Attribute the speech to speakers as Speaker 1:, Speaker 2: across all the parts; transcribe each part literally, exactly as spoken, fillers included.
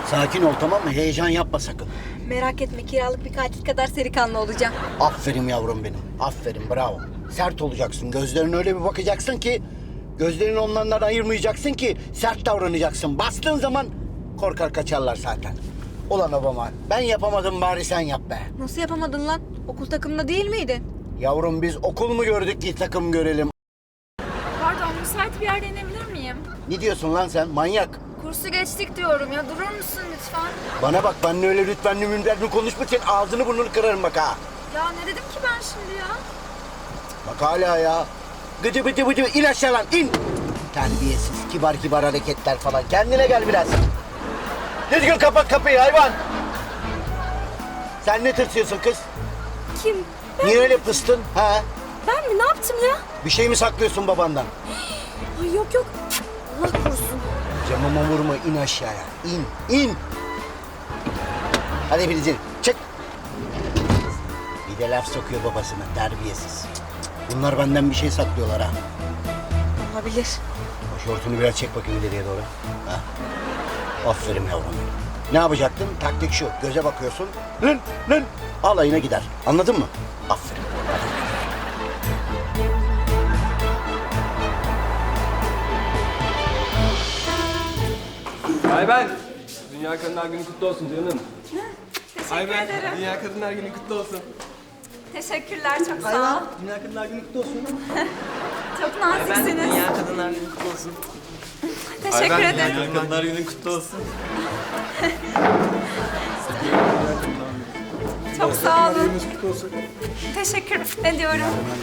Speaker 1: Sakin ol, tamam mı? Heyecan yapma sakın.
Speaker 2: Merak etme, kiralık bir katil kadar seri kanlı olacağım.
Speaker 1: Aferin yavrum benim. Aferin, bravo. Sert olacaksın. Gözlerine öyle bir bakacaksın ki... ...gözlerini onlardan ayırmayacaksın ki... ...sert davranacaksın. Bastığın zaman korkar kaçarlar zaten. Ulan obama, ben yapamadım, bari sen yap be.
Speaker 2: Nasıl yapamadın lan? Okul takımında değil miydin?
Speaker 1: Yavrum, biz okul mu gördük ki takım görelim?
Speaker 3: Pardon, müsait bir yerde inebilir miyim?
Speaker 1: Ne diyorsun lan sen, manyak?
Speaker 3: Kursu geçtik diyorum ya, durur musun lütfen?
Speaker 1: Bana bak, benimle öyle lütfenli münderli konuşma, senin ağzını burnunu kırarım bak ha.
Speaker 3: Ya ne dedim ki ben şimdi ya?
Speaker 1: Bak hala ya. Gıcı bıcı bıcı, in aşağı lan, in. Terbiyesiz, kibar kibar hareketler falan. Kendine gel biraz. Düzgün kapat kapıyı hayvan. Sen ne tırsıyorsun kız?
Speaker 2: Kim?
Speaker 1: Niye öyle pıstın? Ha?
Speaker 2: Ben mi? Ne yaptım ya?
Speaker 1: Bir şey mi saklıyorsun babandan?
Speaker 2: Ay yok yok. Allah korusun.
Speaker 1: Camıma vurma, in aşağıya. İn, in. Hadi Filizciğim, çık. Bir de laf sokuyor babasına, terbiyesiz. Bunlar benden bir şey saklıyorlar ha.
Speaker 2: Olabilir.
Speaker 1: O şortunu biraz çek bakayım ileriye doğru. Ha? Aferin yavrum. Ne yapacaktın? Taktik şu, göze bakıyorsun. Lın lın. Alayına gider. Anladın mı? Aferin. Hadi.
Speaker 4: Ayben, Dünya Kadınlar Günü kutlu olsun canım.
Speaker 3: Teşekkür
Speaker 4: Ayben,
Speaker 3: ederim.
Speaker 4: Dünya Kadınlar Günü kutlu olsun.
Speaker 3: Teşekkürler, çok sağ ol.
Speaker 4: Dünya Kadınlar Günü kutlu olsun.
Speaker 3: Çok naziksiniz.
Speaker 5: Dünya Kadınlar Günü kutlu olsun.
Speaker 3: Teşekkür ederim.
Speaker 5: Dünya Kadınlar Günü kutlu olsun.
Speaker 3: Çok sağ olun.
Speaker 4: Kutlu olsun.
Speaker 3: Teşekkür ediyorum.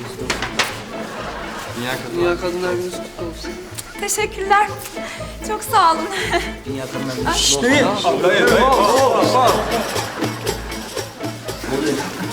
Speaker 5: Dünya Kadınlar Günü kutlu olsun.
Speaker 3: Teşekkürler. Çok sağ olun.
Speaker 5: Dünya Kadınlar Günü kutlu olsun.
Speaker 4: Hayır, hayır.